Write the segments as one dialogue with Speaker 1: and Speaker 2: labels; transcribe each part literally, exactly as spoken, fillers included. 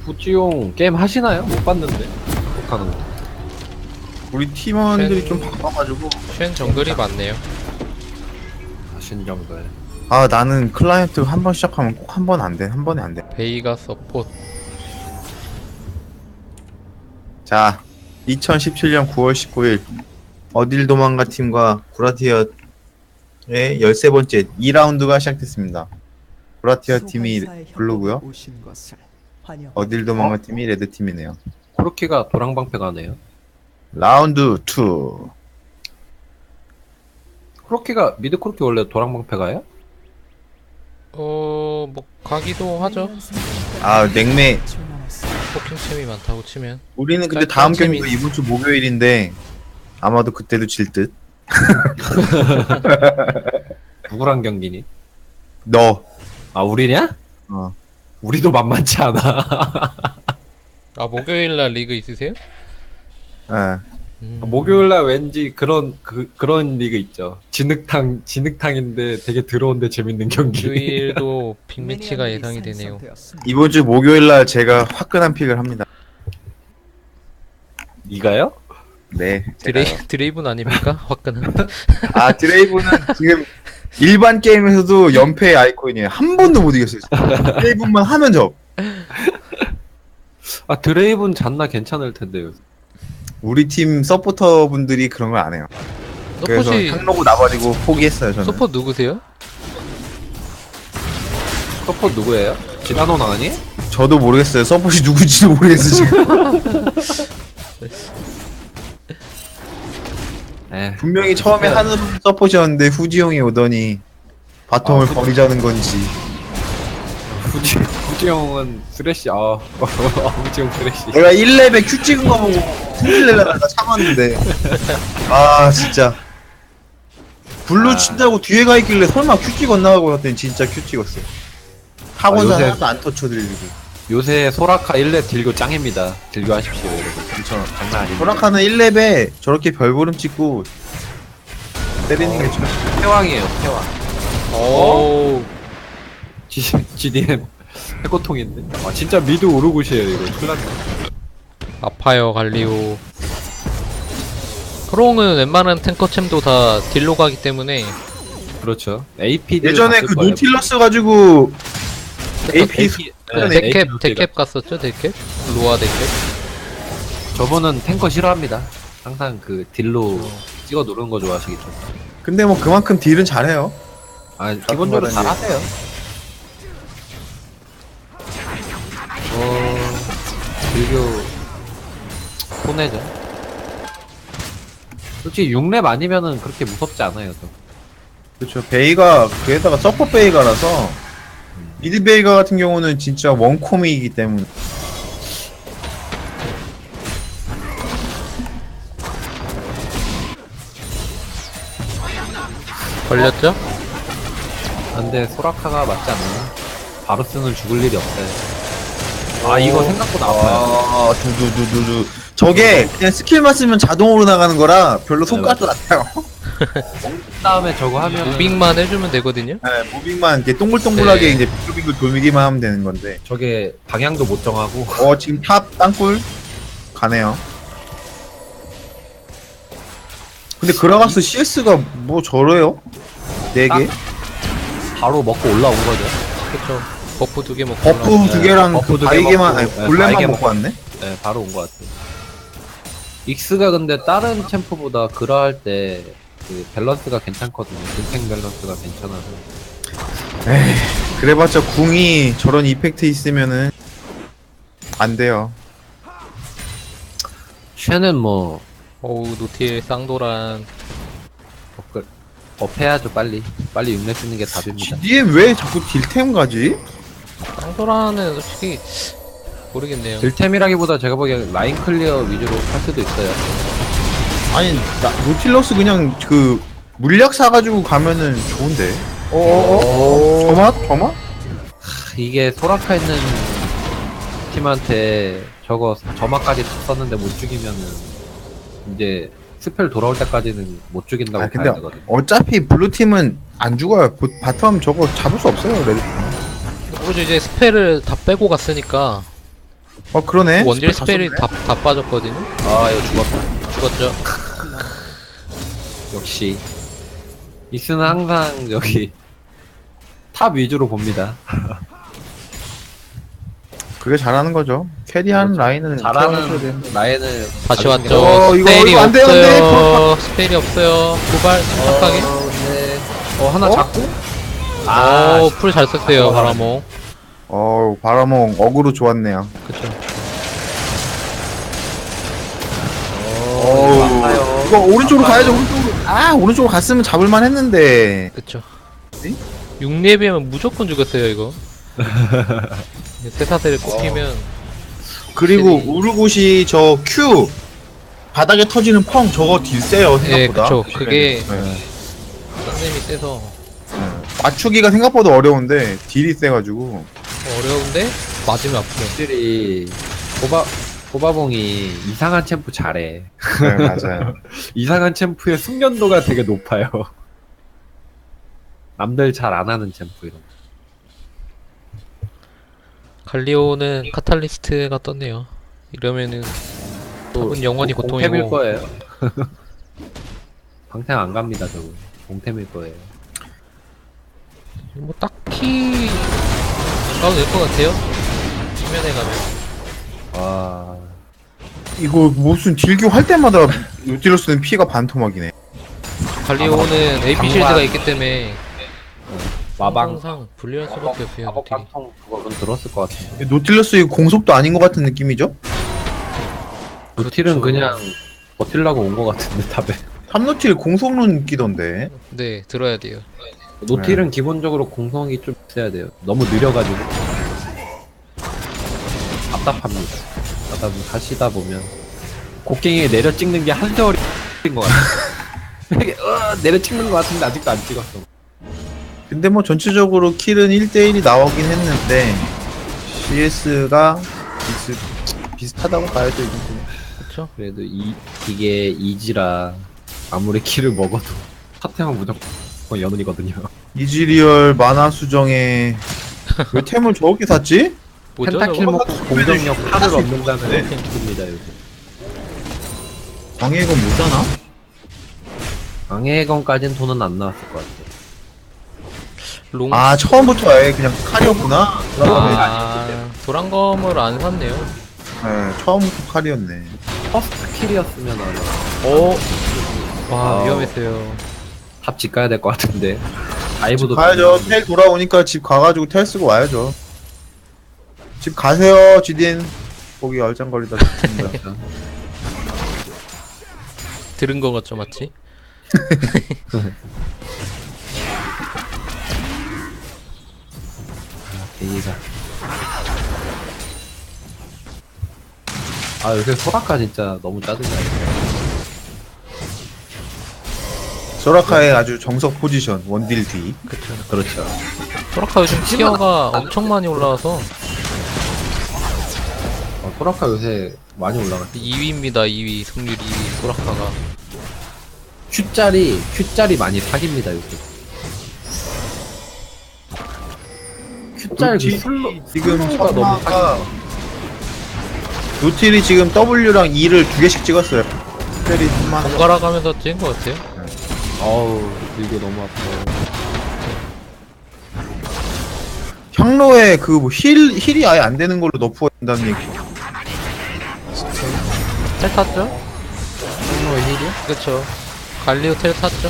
Speaker 1: 후지용 게임 하시나요? 못 봤는데. 못하는 거.
Speaker 2: 우리 팀원들이
Speaker 3: 팬-
Speaker 2: 좀 바빠가지고.
Speaker 3: 쉔 정글이 많네요.
Speaker 1: 하신 정도에.
Speaker 2: 아 나는 클라이언트 한 번 시작하면 꼭 한 번 안 돼. 한 번에 안 돼.
Speaker 3: 베이가 서포트.
Speaker 2: 자, 이천십칠 년 구월 십구일 어딜 도망가 팀과 구라티어의 열세 번째 이 라운드가 시작됐습니다. 구라티어 팀이 블루고요. 어딜 도망가 팀이 레드 팀이네요.
Speaker 1: 코르키가 도랑방패 가네요.
Speaker 2: 라운드 투.
Speaker 1: 코르키가 미드 코르키 원래 도랑방패 가요?
Speaker 3: 어, 뭐 가기도 하죠.
Speaker 2: 아 냉매.
Speaker 3: 포킹 챔이 많다고 치면.
Speaker 2: 우리는 근데
Speaker 3: 깔끔
Speaker 2: 다음
Speaker 3: 재미-
Speaker 2: 경기가 이번 주 목요일인데 아마도 그때도 질 듯.
Speaker 1: 누구랑 경기니?
Speaker 2: 너.
Speaker 1: 아 우리냐?
Speaker 2: 어.
Speaker 1: 우리도 만만치 않아.
Speaker 3: 아, 목요일 날 리그 있으세요?
Speaker 2: 예.
Speaker 3: 음.
Speaker 1: 목요일날 왠지 그런 그 그런 리그 있죠. 진흙탕 진흙탕인데 되게 더러운데 재밌는 경기.
Speaker 3: 주일도 빅매치가 예상이 되네요.
Speaker 2: 이번 주 목요일 날 제가 화끈한 픽을 합니다.
Speaker 1: 네가요?
Speaker 2: 네.
Speaker 3: 드레이
Speaker 2: 제가요.
Speaker 3: 드레이븐 아닙니까? 화끈한.
Speaker 2: 아 드레이브는 지금 일반 게임에서도 연패의 아이콘이에요. 한 번도 못 이겼어요. 드레이브만 하면 져.
Speaker 1: 아 드레이븐 잔나 괜찮을 텐데요.
Speaker 2: 우리 팀 서포터 분들이 그런 걸 안 해요. 그래서
Speaker 3: 서폿이
Speaker 2: 향로고 나버리고 포기했어요 저는.
Speaker 3: 서폿 누구세요?
Speaker 1: 서폿 누구예요? 지나노 나니?
Speaker 2: 저도 모르겠어요. 서폿이 누구지도 모르겠어요 지금.
Speaker 1: 에
Speaker 2: 분명히 처음에 하는 서폿이었는데 후지용이 오더니 바텀을
Speaker 1: 아, 후-
Speaker 2: 버리자는 건지.
Speaker 1: 후지 후지형은 쓰레쉬. 아 후지형 쓰레쉬.
Speaker 2: 내가 일 렙에 큐 찍은 거 보고 승질내려다가 참았는데 아 진짜 블루
Speaker 1: 아.
Speaker 2: 친다고 뒤에 가 있길래 설마 큐 찍었나 하고 봤더니 진짜 큐 찍었어. 학원사
Speaker 1: 아, 요새-
Speaker 2: 하나도 안 터쳐드리고.
Speaker 1: 요새 소라카 일 렙 딜교 짱입니다. 딜교 하십시오 여러분. 그쵸 장난 아닙니다.
Speaker 2: 소라카는 일 렙에 저렇게 별보름 찍고 때리는 게 좀.
Speaker 1: 태왕이에요 태왕.
Speaker 3: 오.
Speaker 1: G, 지디엠 해고통인데. 아 진짜 미드 오르굿이에요 이거. 큰일 났네.
Speaker 3: 아파요 갈리오. 크롱은 웬만한 탱커챔도 다 딜로 가기 때문에
Speaker 1: 그렇죠. 에이피디
Speaker 2: 예전에 그 노틸러스 가지고 에이피
Speaker 1: 네,
Speaker 3: 데캡 데캡 갔었죠 데캡? 로아 데캡?
Speaker 1: 저분은 탱커 싫어합니다. 항상 그 딜로 찍어 누르는 거 좋아하시겠죠.
Speaker 2: 근데 뭐 그만큼 딜은 잘해요.
Speaker 1: 아 기본적으로
Speaker 2: 말하는
Speaker 1: 잘 하세요. 어 딜교 손해죠. 솔직히 육 렙 아니면은 그렇게 무섭지 않아요. 저.
Speaker 2: 그렇죠. 베이가 그에다가 서포 베이가라서 미드 베이가 같은 경우는 진짜 원콤이기 때문에.
Speaker 3: 걸렸죠?
Speaker 1: 근데 소라카가 맞지 않나? 바루스는 죽을 일이 없어요. 아 이거 생각보다 아파요.
Speaker 2: 아, 두두두두두. 저게 그냥 스킬만 쓰면 자동으로 나가는 거라 별로
Speaker 1: 네,
Speaker 2: 손가락도 안 타요.
Speaker 1: 다음에 저거 하면
Speaker 3: 무빙만 해주면 되거든요?
Speaker 2: 네, 무빙만 이렇게 동글동글하게
Speaker 3: 네.
Speaker 2: 이제 빙글빙글 돌기만 하면 되는 건데.
Speaker 1: 저게 방향도 못 정하고
Speaker 2: 어, 지금 탑 땅굴 가네요. 근데 그라가스 씨에스가 뭐 저래요? 네 개?
Speaker 1: 바로 먹고 올라온 거죠.
Speaker 3: 그쵸. 버프 두 개 먹고
Speaker 2: 버프
Speaker 3: 올라오고.
Speaker 2: 두 개랑
Speaker 1: 버프
Speaker 2: 그
Speaker 1: 두개
Speaker 2: 바이게만,
Speaker 1: 먹고,
Speaker 2: 아니,
Speaker 1: 네,
Speaker 2: 골렘만
Speaker 1: 바이게
Speaker 2: 먹고 왔네?
Speaker 1: 네, 바로 온 것 같아요. 익스가 근데 다른 챔프보다 그라 할 때 그 밸런스가 괜찮거든요. 딜탱 밸런스가 괜찮아서.
Speaker 2: 에이, 그래봤자 궁이 저런 이펙트 있으면은 안 돼요.
Speaker 1: 쉐는 뭐
Speaker 3: 어우 노틸 쌍도란.
Speaker 1: 업글 업해야죠 빨리. 빨리 육 렙 쓰는 게 답입니다.
Speaker 2: 지디엠 왜 자꾸 딜템 가지?
Speaker 3: 쌍도란은 솔직히 모르겠네요.
Speaker 1: 딜템이라기보다 제가 보기엔 라인 클리어 위주로 할 수도 있어요.
Speaker 2: 아니 나, 노틸러스 그냥 그 물약 사가지고 가면은 좋은데. 어어어? 저맛? 저맛?
Speaker 1: 하, 이게 소라카 있는 팀한테 저거 저마까지 썼는데 못 죽이면은 이제 스펠 돌아올 때까지는 못 죽인다고
Speaker 2: 아 근데
Speaker 1: 봐야 되거든요.
Speaker 2: 어차피 블루팀은 안 죽어요. 보- 바텀 저거 잡을 수 없어요 레드.
Speaker 3: 오로지 이제 스펠을 다 빼고 갔으니까
Speaker 2: 어 그러네.
Speaker 3: 원딜
Speaker 2: 다
Speaker 3: 스펠이
Speaker 2: 썼네.
Speaker 3: 다, 다 빠졌거든요.
Speaker 1: 아 이거 죽었다.
Speaker 3: 죽었죠.
Speaker 1: 역시 익스는 항상 여기 탑 위주로 봅니다.
Speaker 2: 그게 잘하는 거죠. 캐리하는 라인은 케어해줘야
Speaker 1: 잘하는
Speaker 2: 되는데.
Speaker 1: 라인을
Speaker 3: 다시
Speaker 1: 가지는 게
Speaker 3: 왔죠.
Speaker 2: 어, 이거-
Speaker 3: 스펠이
Speaker 2: 이거 안 돼요, 안 돼.
Speaker 3: 없어요. 스펠이 없어요. 도발 침착하게.
Speaker 1: 어, 네. 어 하나
Speaker 2: 어?
Speaker 1: 잡고?
Speaker 3: 아,
Speaker 1: 아,
Speaker 3: 풀 잘 썼어요,
Speaker 1: 아,
Speaker 3: 바라몽.
Speaker 2: 어우 바라몽 어그로 좋았네요.
Speaker 3: 그쵸.
Speaker 2: 어우
Speaker 1: 아파요.
Speaker 2: 이거 오른쪽으로
Speaker 1: 아파요.
Speaker 2: 가야죠. 오른쪽으로. 아 오른쪽으로 갔으면 잡을만 했는데.
Speaker 3: 그쵸.
Speaker 2: 네?
Speaker 3: 육 렙이면 무조건 죽었어요, 이거. 세사대를 꼽히면
Speaker 2: 그리고
Speaker 3: 확실히.
Speaker 2: 우르고시 저 Q 바닥에 터지는 펑 저거 딜 세요
Speaker 3: 예,
Speaker 2: 생각보다.
Speaker 3: 그쵸. 그게
Speaker 2: 네.
Speaker 3: 쌍nem이 세서
Speaker 2: 네. 맞추기가 생각보다 어려운데 딜이 세가지고.
Speaker 3: 어려운데 맞으면 아프네.
Speaker 1: 확실히 호바 호바봉이 이상한 챔프 잘해.
Speaker 2: 네 맞아요.
Speaker 1: 이상한 챔프의 숙련도가 되게 높아요. 남들 잘 안 하는 챔프 이런. 거.
Speaker 3: 갈리오는 카탈리스트가 떴네요. 이러면은 탑은 영원히
Speaker 1: 공- 공템일
Speaker 3: 고통이고.
Speaker 1: 거예요. 방템 안 갑니다 저거. 공템일 거예요.
Speaker 3: 뭐 딱히 안 가도 될 것 같아요. 화면에 가면.
Speaker 1: 와
Speaker 2: 이거 무슨 딜교 할 때마다 노틸러스는 피가 반토막이네.
Speaker 3: 갈리오는 에이피실드가
Speaker 1: 방관.
Speaker 3: 있기 때문에
Speaker 1: 마방
Speaker 3: 항상 불리할 수밖에 없어요.
Speaker 1: 마법
Speaker 3: 딜이.
Speaker 1: 방통 그거는 들었을 것 같은데.
Speaker 2: 노틸러스 이거 공속도 아닌 것 같은 느낌이죠?
Speaker 1: 노틸은
Speaker 3: 그렇죠.
Speaker 1: 그냥 버틸라고 온 것 같은데 탑에.
Speaker 2: 삼노틸 공속론 끼던데.
Speaker 3: 네, 들어야 돼요.
Speaker 1: 노틸은 기본적으로 공성이 좀 있어야 돼요. 너무 느려가지고 답답합니다. 하다 보면 하시다 보면 곡괭이에 내려 찍는 게 한 세월인 것 같아. 이게 어, 내려 찍는 것 같은데 아직도 안 찍었어.
Speaker 2: 근데 뭐 전체적으로 킬은 일 대 일이 나오긴 했는데 씨에스가 비슷, 비슷하다고 봐야죠 이 정도는.
Speaker 3: 그렇죠?
Speaker 1: 그래도 이 이게 이지라 아무리 키를 먹어도 사태만 무조건 연운이거든요.
Speaker 2: 이지리얼 만화 수정에 왜 템을 저렇게 샀지?
Speaker 3: 뭐죠?
Speaker 1: 펜타킬
Speaker 3: 저거?
Speaker 1: 먹고 공격력 팔을
Speaker 2: 네.
Speaker 1: 얻는다는 템입니다 요즘.
Speaker 2: 광해가 뭐잖아?
Speaker 1: 방해건까지는 돈은 안 나왔을 것 같아요.
Speaker 3: 롱.
Speaker 2: 아 처음부터 아예 그냥 칼이었구나.
Speaker 3: 아, 도란검을 안 샀네요.
Speaker 2: 네, 처음부터 칼이었네.
Speaker 1: 퍼스트 킬이었으면 아마
Speaker 3: 어, 와,
Speaker 1: 아.
Speaker 3: 위험했어요.
Speaker 1: 탑 집 가야 될 것 같은데. 다이브도
Speaker 2: 가야죠. 텔 돌아오니까 집 가가지고 텔 쓰고 와야죠. 집 가세요, 지딘. 거기 얼짱거리다 죽습니다.
Speaker 1: 그렇죠.
Speaker 3: 들은 거 같죠, 맞지?
Speaker 1: 데이가. 아 요새 소라카 진짜 너무 짜증나요.
Speaker 2: 소라카의 아주 정석 포지션 원딜 뒤.
Speaker 3: 그쵸.
Speaker 1: 그렇죠.
Speaker 3: 소라카 요즘 티어가 엄청 많이 올라와서
Speaker 1: 어, 소라카 요새 많이 올라갔어.
Speaker 3: 이 위입니다, 이 위. 승률 이 위, 소라카가.
Speaker 1: Q짜리 Q짜리 많이 사깁니다 요새. Q짜리 그
Speaker 2: 지-
Speaker 1: 슬로
Speaker 2: 지금
Speaker 1: 슬로우가 너무
Speaker 2: 천마가
Speaker 1: 사기.
Speaker 2: 노틸이 지금 W랑 E를 두 개씩 찍었어요. 스펠이 천만.
Speaker 3: 번갈아 가면서 찍은 것 같아요.
Speaker 1: 어우 이거 너무 아파.
Speaker 2: 향로에 그힐 힐이 아예 안 되는 걸로 너프가 된다는 얘기.
Speaker 3: 텔 탔죠?
Speaker 1: 성노의 힐이요?
Speaker 3: 그쵸. 갈리오 텔 탔죠?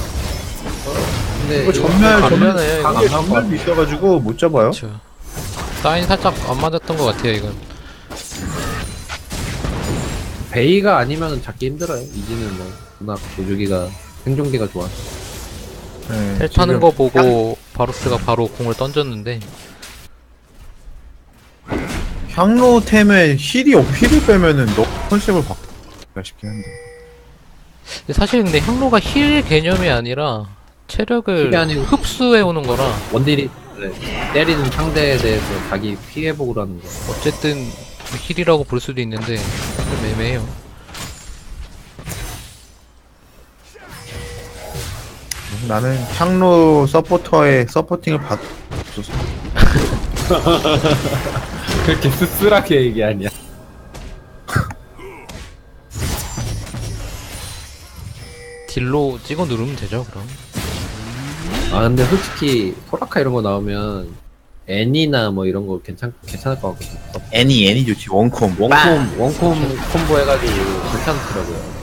Speaker 1: 근데
Speaker 2: 이거 전멸
Speaker 3: 전멸이에요, 이거.
Speaker 2: 전멸 전멸도 있어가지고 못 잡아요.
Speaker 3: 그쵸. 사인 살짝 안 맞았던 것 같아요, 이건.
Speaker 1: 베이가 아니면 잡기 힘들어요. 이지는 뭐 워낙 조주기가 생존기가 좋아.
Speaker 2: 네,
Speaker 3: 텔 타는
Speaker 2: 지금
Speaker 3: 거 보고 바루스가 바로 공을 던졌는데
Speaker 2: 향로템에 힐이 없 힐을 빼면은 너 컨셉을 바꾸가 싶긴 한데.
Speaker 3: 근데 사실 근데 향로가 힐 개념이 아니라 체력을
Speaker 1: 힐이 아니고
Speaker 3: 흡수해 오는 거라
Speaker 1: 원딜이 네, 때리는 상대에 대해서 자기 피해복을 하는 거.
Speaker 3: 어쨌든 힐이라고 볼 수도 있는데 좀 애매해요.
Speaker 2: 나는 향로 서포터의 서포팅을 받 없었어.
Speaker 1: 그렇게 씁쓸하게 얘기하냐.
Speaker 3: 딜로 찍어 누르면 되죠 그럼.
Speaker 1: 아 근데 솔직히 소라카 이런 거 나오면 애니나 뭐 이런 거 괜찮 괜찮을 것 같거든.
Speaker 2: 애니 애니 좋지 원콤.
Speaker 1: 원콤 원콤 콤보 해가지고 괜찮더라고요.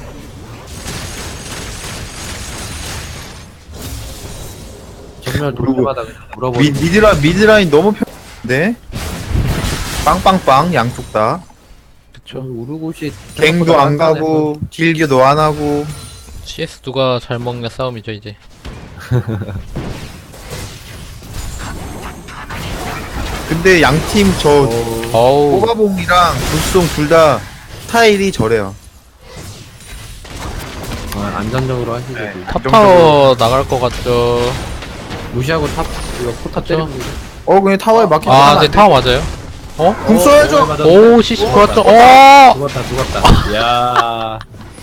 Speaker 1: 정말 돌 때마다 그냥
Speaker 2: 미,
Speaker 1: 물어보는.
Speaker 2: 미드라 미드라인 너무 편한데. 빵빵빵 양쪽 다.
Speaker 3: 그쵸.
Speaker 1: 우르고시
Speaker 2: 갱도 안 가고 딜교도 안 하고.
Speaker 3: 씨에스 누가 잘 먹냐 싸움이죠 이제.
Speaker 2: 근데 양팀 저
Speaker 3: 어우.
Speaker 2: 꼬바봉이랑 불송 둘 다 스타일이 저래요.
Speaker 1: 어, 안전적으로 하시죠.
Speaker 2: 네.
Speaker 3: 탑파워 나갈 것 같죠.
Speaker 1: 무시하고 탑 이거 포탑
Speaker 3: 그쵸?
Speaker 1: 때리는 거.
Speaker 2: 어 그냥 타워에 막히지
Speaker 3: 아,
Speaker 2: 않아.
Speaker 3: 네 타워 맞아요. 어?
Speaker 2: 궁 써야죠.
Speaker 1: 맞아.
Speaker 3: 오, 씨씨 좋았죠. 어!
Speaker 1: 죽었다 죽었다. 야.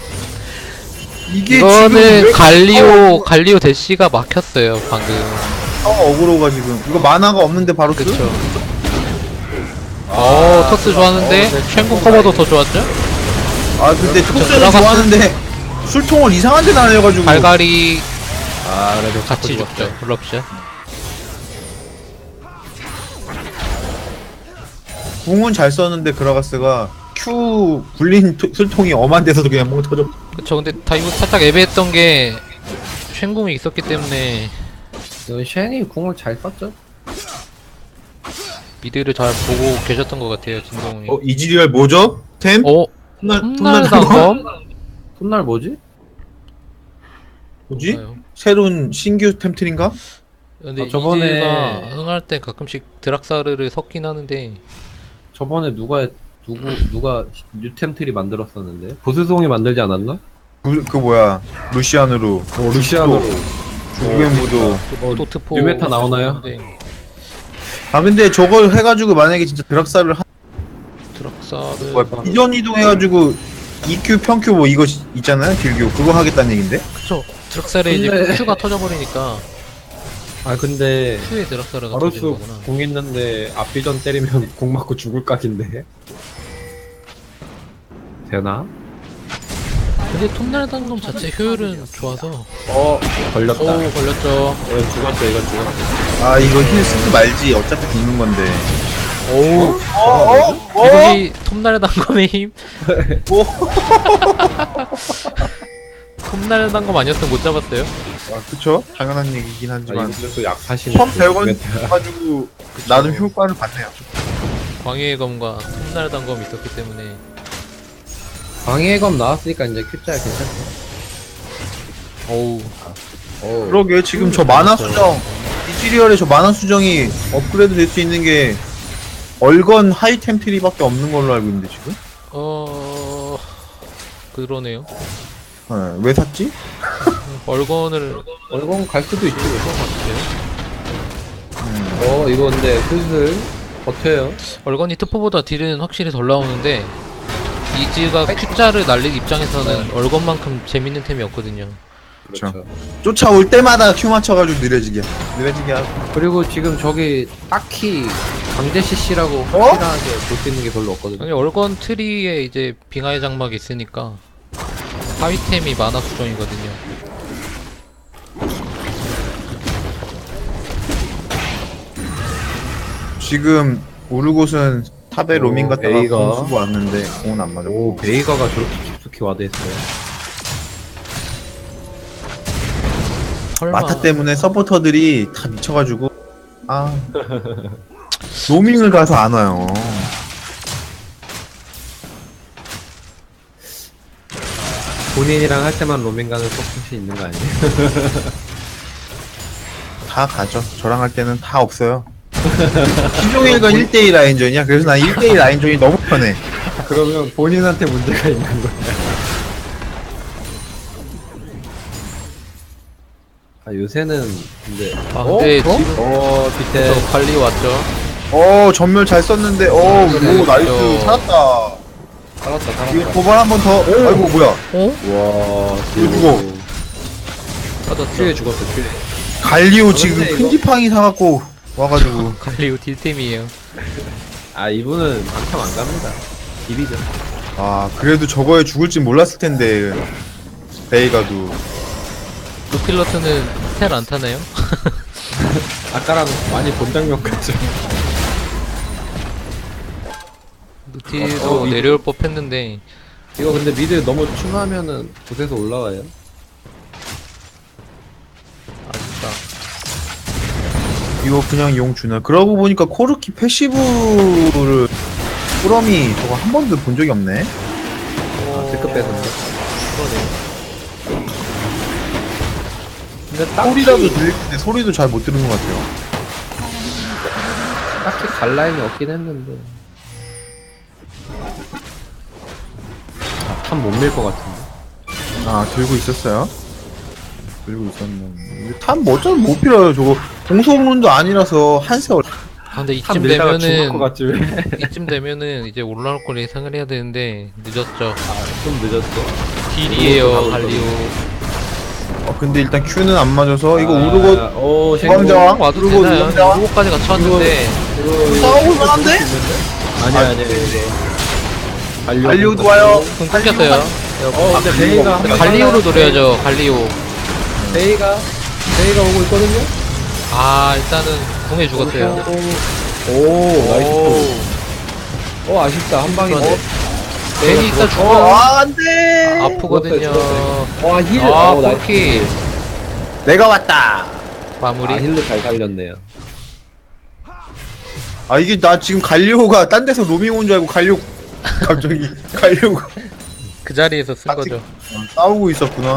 Speaker 2: 이게
Speaker 3: 이거는
Speaker 2: 지금 왜
Speaker 3: 갈리오, 갈리오 대시가 막혔어요, 방금.
Speaker 2: 타워 어그로가 지금 이거 만화가 없는데 바로 쓰?
Speaker 3: 그쵸. 어, 토스 좋았는데,
Speaker 1: 어, 네,
Speaker 3: 쉔궁 커버도 더 좋았죠?
Speaker 2: 아 근데 토스는
Speaker 3: 들어갔어.
Speaker 2: 좋아하는데 술통을 이상한 데 날려가지고
Speaker 3: 갈갈이
Speaker 1: 아 그래도
Speaker 3: 같이
Speaker 1: 자꾸
Speaker 3: 죽죠, 럽샷.
Speaker 2: 궁은 잘 썼는데 그라가스가 Q 굴린 토- 술통이 엄한 데서도 그냥 멍 터져.
Speaker 3: 그쵸, 근데 다이브 살짝 애매했던 게, 쉔궁이 있었기 때문에,
Speaker 1: 이건 쉔이 궁을 잘 썼죠.
Speaker 3: 미드를 잘 보고 계셨던 것 같아요, 진동이.
Speaker 2: 어 이지리얼 뭐죠? 템?
Speaker 3: 어?
Speaker 2: 톱날
Speaker 3: 톱날
Speaker 2: 톱날
Speaker 3: 단검?
Speaker 1: 톱날 뭐지?
Speaker 2: 뭐지?
Speaker 3: 뭔가요?
Speaker 2: 새로운 신규 템트인가?
Speaker 3: 근데
Speaker 1: 아, 저번에-
Speaker 3: 이즈가 흥할 때 가끔씩 드락사르를 섞긴 하는데,
Speaker 1: 저번에 누가 누구 누가 뉴템트리 만들었었는데 보스송이 만들지 않았나?
Speaker 2: 그, 그 뭐야 루시안으로
Speaker 1: 어 루시안으로.
Speaker 2: 죽음의 무도.
Speaker 3: 또, 또 트포.
Speaker 1: 뉴메타 나오나요?
Speaker 3: 네,
Speaker 2: 아 근데 저걸 해가지고 만약에 진짜 드락사를 한
Speaker 3: 드락사르.
Speaker 2: 뭐야 이전 이동해가지고 이큐 평큐 뭐 이거 시- 있잖아요 딜교 그거 하겠다는 얘긴데?
Speaker 3: 그쵸. 드락사르에 이제
Speaker 1: 근데-
Speaker 3: Q가 터져버리니까,
Speaker 1: 아 근데
Speaker 3: Q에 드락사르가
Speaker 1: 바로스
Speaker 3: 터지는 거구나.
Speaker 1: 궁 있는데 앞비전 때리면 궁 맞고 죽을 각인데. 되나?
Speaker 3: 근데 톱날 단검 자체 효율은 좋아서.
Speaker 1: 어 걸렸다.
Speaker 3: 오, 걸렸죠.
Speaker 1: 이거 죽었어 이거 죽었어.
Speaker 2: 아 이거 힐 쓰지 말지 어차피 죽는 건데.
Speaker 3: 오우.
Speaker 2: 어?
Speaker 3: 이것이 톱날 단검의 힘? 톱날 단검 아니었으면 못 잡았어요?
Speaker 2: 아 그쵸? 당연한 얘기긴
Speaker 1: 아
Speaker 2: 하지만
Speaker 1: 이분들도 약하시네.
Speaker 2: 천 백 원 가지고 나름 효과를 봤네요.
Speaker 3: 광해의 검과 톱날 단검이 있었기 때문에.
Speaker 1: 방해검 나왔으니까 이제 큐자야 괜찮다.
Speaker 3: 어우.
Speaker 1: 어.
Speaker 2: 그러게 지금 저 만화 수정 이지리얼의 저 만화 수정이 업그레이드 될 수 있는 게 얼건 하이템 트리밖에 없는 걸로 알고 있는데 지금?
Speaker 3: 어... 그러네요.
Speaker 2: 네, 왜 샀지?
Speaker 3: 얼건을
Speaker 1: 얼공 갈 수도 있지.
Speaker 3: 그런 것 같아요.
Speaker 2: 음.
Speaker 1: 어 이거 근데 슬슬 버텨요.
Speaker 3: 얼건이 트포보다 딜은 확실히 덜 나오는데 이즈가 Q자를 날릴 입장에서는 얼건만큼 재밌는 템이 없거든요.
Speaker 2: 그렇죠. 쫓아올 때마다 Q 맞춰가지고 느려지게 느려지게 하고.
Speaker 1: 그리고 지금 저기 딱히 강제 씨씨라고
Speaker 2: 어?
Speaker 1: 확실하게 볼 수 있는 게 별로 없거든요.
Speaker 3: 아니 얼건 트리에 이제 빙하의 장막이 있으니까 하위템이 만화 수정이거든요.
Speaker 2: 지금 우르곳은 탑에
Speaker 1: 오,
Speaker 2: 로밍 갔다가
Speaker 1: 베이가.
Speaker 2: 공 쓰고 왔는데 공은 안 맞아.
Speaker 1: 오 베이가가 저렇게 깊숙이 와대했어요.
Speaker 3: 설마
Speaker 2: 마타 때문에 서포터들이 다 미쳐가지고 아 로밍을 가서 안 와요.
Speaker 1: 본인이랑 할 때만 로밍 가는 서폿이 있는 거 아니에요?
Speaker 2: 다 가죠. 저랑 할 때는 다 없어요. 신종일건 일 대일 라인전이야. 그래서 난 일 대일 라인전이 너무 편해.
Speaker 1: 그러면 본인한테 문제가 있는 거야. 아 요새는 근데
Speaker 3: 아 근데
Speaker 1: 어?
Speaker 3: 지금
Speaker 1: 어 밑에
Speaker 3: 저 관리 왔죠.
Speaker 2: 어 전멸 잘 썼는데 어
Speaker 3: 그래,
Speaker 2: 오 나이스
Speaker 3: 그렇죠.
Speaker 2: 살았다.
Speaker 1: 살았다
Speaker 2: 이거
Speaker 1: 살았다.
Speaker 2: 도발 한 번 더. 아이고 뭐야?
Speaker 3: 어?
Speaker 1: 와
Speaker 2: 이거 죽어.
Speaker 3: 맞았죠.
Speaker 1: 큐에 죽었어 큐에.
Speaker 2: 갈리오 지금
Speaker 1: 근데 이거-
Speaker 2: 큰 지팡이 사갖고 와가지고
Speaker 3: 갈리오 딜템이에요.
Speaker 1: 아 이분은 방탐 안 갑니다. 비비죠.
Speaker 2: 아 그래도 저거에 죽을 줄 몰랐을 텐데 베이가도.
Speaker 3: 루필러트는 텔 안 타나요?
Speaker 1: 아까랑 많이 본 장면 같죠.
Speaker 3: 루티도
Speaker 1: 어, 어,
Speaker 3: 내려올 법 했는데
Speaker 1: 이거 근데 미드 너무 충하면은 곳에서 올라와요.
Speaker 3: 아쉽다.
Speaker 2: 이거 그냥 용 주나? 그러고 보니까 코르키 패시브를 꾸러미 저거 한 번도 본 적이 없네.
Speaker 1: 아, 데크 뺏었네.
Speaker 3: 그러네요.
Speaker 1: 근데 딱히,
Speaker 2: 소리라도 들릴 텐데 소리도 잘 못 들은 것 같아요.
Speaker 1: 딱히 갈 라인이 없긴 했는데. 아, 참 못 밀 것 같은데.
Speaker 2: 아 들고 있었어요? 들고 있었는데 탐뭐 어쩌면 못 필요해요. 저거 공소문도 아니라서 한세 얼.
Speaker 3: 아 근데
Speaker 1: 한
Speaker 3: 이쯤
Speaker 1: 밀다가 죽을
Speaker 3: 되면은
Speaker 1: 것 같지 왜?
Speaker 3: 이쯤 되면은 이제 올라올 걸 예상을 해야 되는데 늦었죠.
Speaker 1: 아, 좀 늦었어.
Speaker 3: 딜이에요 갈리오.
Speaker 2: 어 근데 일단 Q는 안 맞아서 이거
Speaker 1: 아,
Speaker 2: 우르고
Speaker 1: 오,
Speaker 2: 주황자왕?
Speaker 3: 공 와도
Speaker 2: 그리고
Speaker 3: 되나요?
Speaker 2: 누군가?
Speaker 3: 우르고까지 같이 왔는데
Speaker 2: 싸우고 만한데?
Speaker 1: 아니
Speaker 2: 아,
Speaker 1: 아니 아니.
Speaker 2: 갈리오도 와요.
Speaker 3: 공 끊겼어요.
Speaker 1: 어 근데 베이가 한 번
Speaker 3: 갈리오로 노려야죠. 갈리오.
Speaker 1: 베이가 베이가 오고 있거든요.
Speaker 3: 아 일단은 공에 죽었어요.
Speaker 1: 오 나이스. 어 아쉽다 한 방인데.
Speaker 3: 그러네. 괜히 있다
Speaker 2: 어,
Speaker 3: 죽어.
Speaker 2: 아, 안 돼!
Speaker 3: 아프거든요.
Speaker 1: 와 힐.
Speaker 3: 아
Speaker 1: 어, 나이스.
Speaker 3: 포키
Speaker 2: 내가 왔다!
Speaker 3: 마무리.
Speaker 1: 아 힐로 잘 살렸네요.
Speaker 2: 아, 이게 나 지금 갈리오가 딴 데서 로밍 온 줄 알고 갈리오, 갑자기 갈리오가
Speaker 3: 그 자리에서 쓴
Speaker 2: 아,
Speaker 3: 거죠.
Speaker 2: 어, 싸우고 있었구나.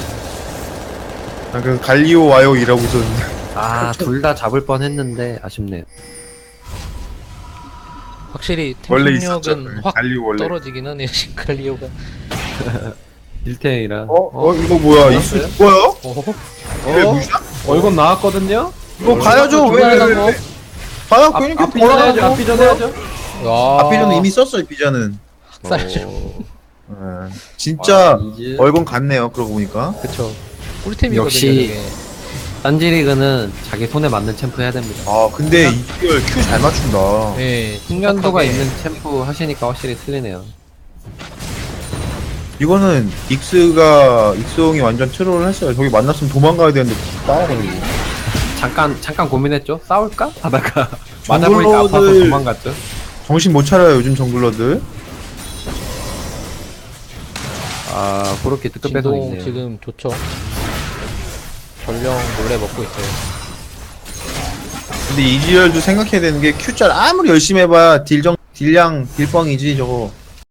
Speaker 2: 아, 그래서 갈리오 와요 이러고 있었는데.
Speaker 1: 아 둘 다 잡을 뻔했는데 아쉽네요.
Speaker 3: 확실히
Speaker 2: 원래 있었죠.
Speaker 3: 템력은 확
Speaker 2: 갈리오 원래.
Speaker 3: 떨어지긴 하네요. 지금 갈리오가.
Speaker 1: 일탱이라.
Speaker 2: 어? 어, 이거 뭐야? 이수
Speaker 1: 뭐였어요?
Speaker 2: 죽어요?
Speaker 3: 어?
Speaker 2: 왜 루시아?
Speaker 1: 어 이건 나왔거든요.
Speaker 2: 이거 가야죠. 왜, 왜, 왜, 왜? 가야,
Speaker 1: 앞
Speaker 2: 그러니까
Speaker 1: 앞비전 해야죠.
Speaker 2: 돌아가고.
Speaker 1: 앞비전 해야죠.
Speaker 3: 야.
Speaker 2: 앞비전은 이미 썼어요, 비전은.
Speaker 3: 학살죠.
Speaker 2: 예. 진짜
Speaker 1: 아, 이제-
Speaker 2: 얼건 같네요, 그러고 보니까.
Speaker 3: 그쵸. 꿀템이거든요.
Speaker 1: 역시-
Speaker 3: 저게.
Speaker 1: 딴지리그는 자기 손에 맞는 챔프 해야 됩니다.
Speaker 2: 아, 근데 이걸 Q 잘 맞춘다.
Speaker 3: 네.
Speaker 1: 숙련도가
Speaker 3: 착하게.
Speaker 1: 있는 챔프 하시니까 확실히 틀리네요.
Speaker 2: 이거는 익스가 익스홍이 완전 트롤을 했어요. 저기 만났으면 도망가야 되는데 싸워가지고.
Speaker 1: 잠깐 잠깐 고민했죠. 싸울까? 하다가 맞아보니까 아파서
Speaker 2: 정글러들-
Speaker 1: 도망갔죠.
Speaker 2: 정신 못 차려요 요즘 정글러들.
Speaker 1: 아 그렇게 뜨뜻 뺏어
Speaker 3: 진동
Speaker 1: 있네요.
Speaker 3: 지금 좋죠. 전령 몰래 먹고 있어요.
Speaker 2: 근데 이지열도 생각해야 되는 게 Q짤 아무리 열심히 해봐야 딜정 딜량 딜뻥이지 저거.